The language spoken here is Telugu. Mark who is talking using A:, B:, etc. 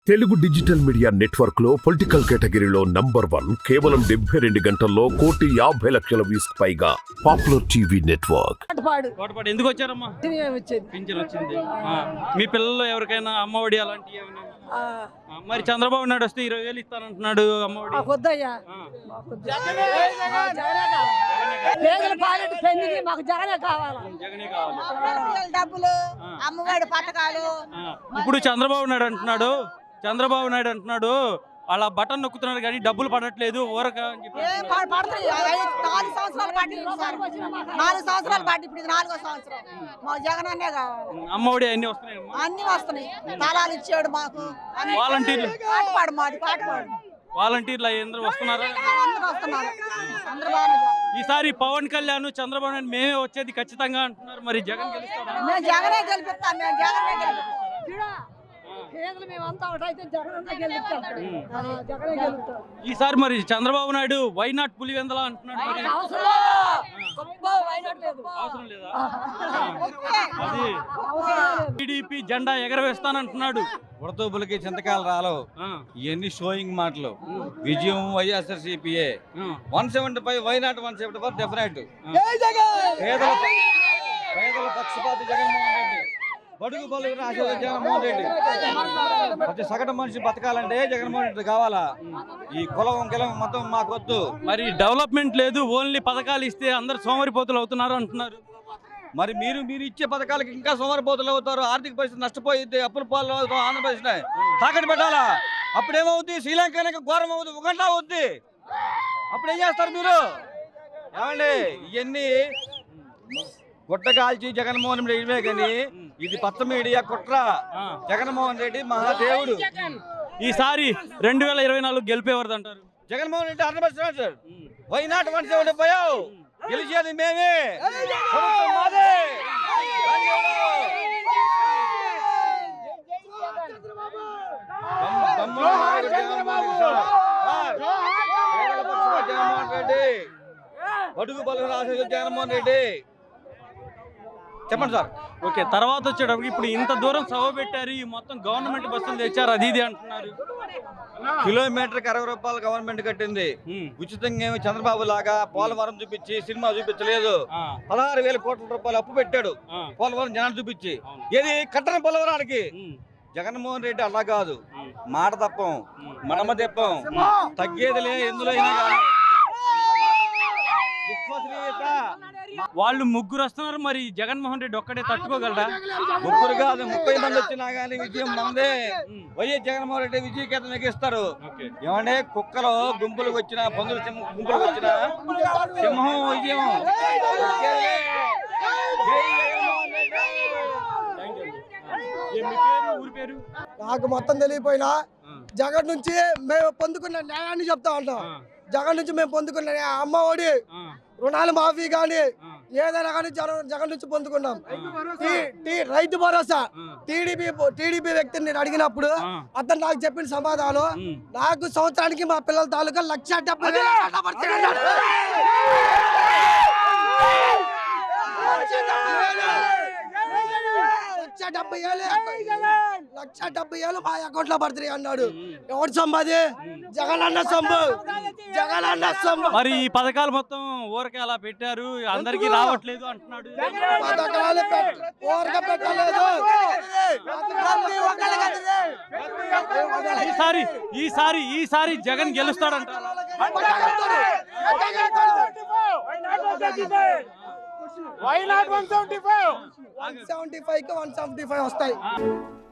A: తెలుగు డిజిటల్ మీడియా నెట్వర్క్ లో పొలిటికల్ కేటగిరీలో నంబర్ 1 కేవలం 72 గంటల్లో 1,50,00,000 వ్యూస్ పైగా పాపులర్ టీవీ నెట్వర్క్.
B: తోటపాడు ఎందుకు వచ్చారమ్మా? పింఛన్ వచ్చింది. మీ పిల్లలు ఎవరికైనా అమ్మఒడి అలాంటివి ఏమైనా? మరి చంద్రబాబు నాయుడు వస్తే 20,000 ఇస్తానంటున్నాడు అమ్మఒడి.
C: డబ్బులు అమ్మఒడి పథకాలు.
B: ఇప్పుడు చంద్రబాబు నాయుడు అంటున్నాడు వాళ్ళ బటన్ నొక్కుతున్నారు కానీ డబ్బులు పడట్లేదు ఊరక అని చెప్పి.
C: 4 సంవత్సరాలు పట్టి 4 సంవత్సరాలు పట్టి ఇప్పుడు 4వ సంవత్సరం మా జగన్ అన్నే కావాలి.
B: అమ్మఒడి అన్ని వస్తున్నాయమ్మా?
C: అన్ని వస్తున్నాయి. తలాలు ఇచ్చాడు మాకు.
B: వాలంటీర్లు
C: పాటపాడు
B: వాలంటీర్లు అందరూ వస్తున్నారా?
C: అందరూ వస్తున్నారు. అందరూ బాగానే చేస్తున్నారు.
B: ఈసారి పవన్ కళ్యాణ్ చంద్రబాబు నాయుడు మేమే వచ్చేది ఖచ్చితంగా అంటున్నారు. మరి జగన్ గెలుస్తాడా?
C: మేము జగనే గెలిపిస్తాం.
B: ఈసారి మరి చంద్రబాబు నాయుడు వై నాట్ పులివెందల అంటున్నాడు. మరి అవసరం లేదా? అది టీడీపీ జెండా ఎగరవేస్తానంటున్నాడు.
D: ఉడతూపులకి చింతకాయలు రాలవు. ఇవన్నీ షోయింగ్ మాటలు. విజయం వైఎస్ఆర్సీపీఏ. 175 వైనాట్ 174 డెఫినెట్. పేదల పక్షపాతి జగన్మోహన్ రెడ్డి. బడుగు బలుగు ఆశీర్వాద జగన్మోహన్ రెడ్డి. ప్రతి సగటు మనిషి బతకాలంటే జగన్మోహన్ రెడ్డి కావాలా? ఈ కులం కిలం మొత్తం మాకు వద్దు.
B: మరి డెవలప్మెంట్ లేదు, ఓన్లీ పథకాలు ఇస్తే అందరు సోమరిపోతులు అవుతున్నారు అంటున్నారు.
D: మరి మీరు ఇచ్చే పథకాలకి ఇంకా సోమరిపోతులు అవుతారు. ఆర్థిక పరిస్థితి నష్టపోయింది. అప్పుల పాలు అవుతాం. ఆంధ్రప్రదేశ్ తాకట్టు పెట్టాలా? అప్పుడేమవుద్ది? శ్రీలంక ఘోరం అవుద్ది. ఉగంట అవుద్ది. అప్పుడు ఏం చేస్తారు మీరు? ఏమండి ఇవన్నీ గుట్ట కాల్చి జగన్మోహన్ రెడ్డి ఇవే కానీ ఇది పచ్చ మీడియా కుట్ర. జగన్మోహన్ రెడ్డి మహాదేవుడు.
B: ఈసారి 2024 గెలిపేవారు అంటారు.
D: జగన్మోహన్ రెడ్డి 100%. Why not 175? గెలిచేది మేమే. జగన్మోహన్ రెడ్డి బడుగు బలుగు రాసేది జగన్మోహన్ రెడ్డి. చెప్పండి సార్.
B: ఓకే, తర్వాత వచ్చేటప్పుడు ఇప్పుడు ఇంత దూరం సభ పెట్టారు, ఈ మొత్తం గవర్నమెంట్ బస్సులు తెచ్చారు, అది ఇది అంటున్నారు.
D: కిలోమీటర్కి 60 రూపాయలు గవర్నమెంట్ కట్టింది. ఉచితంగా ఏమి చంద్రబాబు లాగా పోలవరం చూపించి సినిమా చూపించలేదు. 16,000 కోట్ల రూపాయలు అప్పు పెట్టాడు పోలవరం జనాలు చూపించి. ఏది కట్టని పోలవరానికి. జగన్మోహన్ రెడ్డి అలా కాదు. మాట తప్పం, మనమ తెప్పం, తగ్గేదిలే ఎందులో అయినా కానీ.
B: వాళ్ళు ముగ్గురు వస్తున్నారు, మరి జగన్మోహన్ రెడ్డి ఒక్కడే తట్టుకోగలరా?
D: ముగ్గురు కాదు 30 మంది వచ్చినా గానీ విజయం మనదే. వైఎస్ జగన్మోహన్ రెడ్డి విజయకేతనం ఎగిస్తారు. ఏమంటే కుక్కలు గుంపులకు వచ్చిన, పందుల గుంపులకు వచ్చిన సింహం విజయం.
E: నాకు మొత్తం తెలియపోయినా జగన్ నుంచి మేము పొందుకున్న న్యాయాన్ని చెప్తా ఉంటాం. జగన్ నుంచి మేము పొందుకున్న అమ్మ ఒడి, రుణాలు మాఫీ కానీ ఏదైనా కానీ జగన్ నుంచి పొందుకున్నాం. రైతు భరోసా టీడీపీ వ్యక్తిని నేను అడిగినప్పుడు అతను నాకు చెప్పిన సమాధానం, నాకు సంవత్సరానికి మా పిల్లల తాలూకా 1,70,000 మా అకౌంట్ లో పడుతుంది అన్నాడు. ఎవరు సొమ్మాది? జగన్ అన్న సొమ్ము.
B: మరి ఈ పథకాలు మొత్తం ఊరకే అలా పెట్టారు, అందరికి రావట్లేదు అంటున్నాడు.
E: పథకాలు ఊరకే పెట్టలేదు.
B: ఈసారి జగన్ గెలుస్తాడంటారు.
E: 175 కి 175 వస్తాయి.